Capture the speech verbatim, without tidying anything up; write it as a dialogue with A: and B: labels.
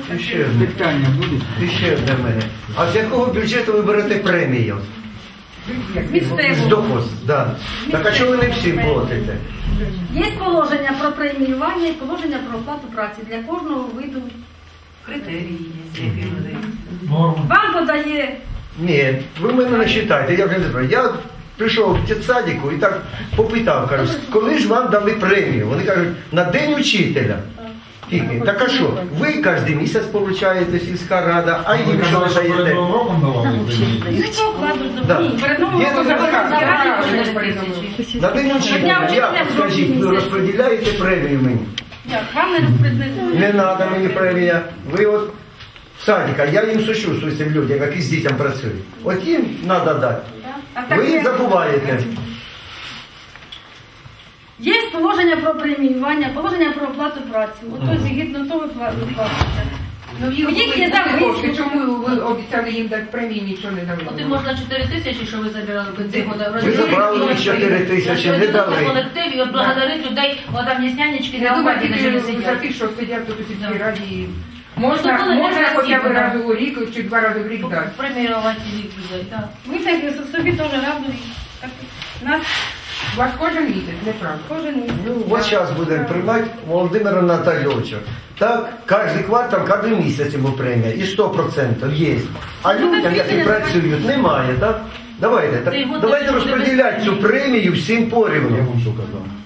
A: І ще одне питання буде. І ще одне в мене. А з якого бюджету ви берете премію? З доходу, да. Так а чого ви не всім платите?
B: Є положення про преміювання і положення про оплату праці для кожного виду.
C: Критерії є, які люди.
B: Вам подає.
A: Ні, ви мене не вважаєте, я вже не знаю. Я прийшов в дитсадику і так попитав, кажу, коли ж вам дали премію? Вони кажуть, на день учителя. Тільки. Так а що? Ви кожен місяць получаєте, сільська рада, а їм що ви даєте? На день учителя, як, скажіть, ви розподіляєте премію мені?
B: Як? Вам не розподіляєте?
A: Не треба мені премія. Ви от садика, я їм сочувствую цим людям, які з дітям працюють. От їм треба дати. Ви їх забуваєте.
B: Є положення про преміювання, положення про оплату праці. Ото згідно того ви платите.
D: Ну, їх
B: Їх є
D: були
B: завгості.
D: кошти, чому ви обіцяли їм дати премії, нічого не дали?
C: От і можна чотири тисячі, що ви забирали в кінці года.
A: Ви забрали мені чотири тисячі, не дали.
C: Колектив і от благодарить людей, от там нянечки
D: Я
C: на
D: думаю,
C: увазі
D: тільки
C: не
D: за
C: сидять.
D: ті, що сидять тут у сільській
C: Да.
D: раді. Можна,
C: Ну, коли
D: можна
C: не
D: хоча б
C: красиво,
D: раз
C: да.
D: у рік чи два рази в рік дати.
C: Премірувати їх людей, так.
B: Ви так собі теж радують. Нас
D: У вас кожен місяць, неправда.
B: кожен місяць.
A: Ну, от зараз будемо приймати Володимира Анатолійовича. Так, кожен квартал, кожен місяць йому премія. І сто відсотків є. А людям, які працюють, немає, так? Давайте, так, давайте розподіляти цю премію всім порівну.
E: Я вам що казав.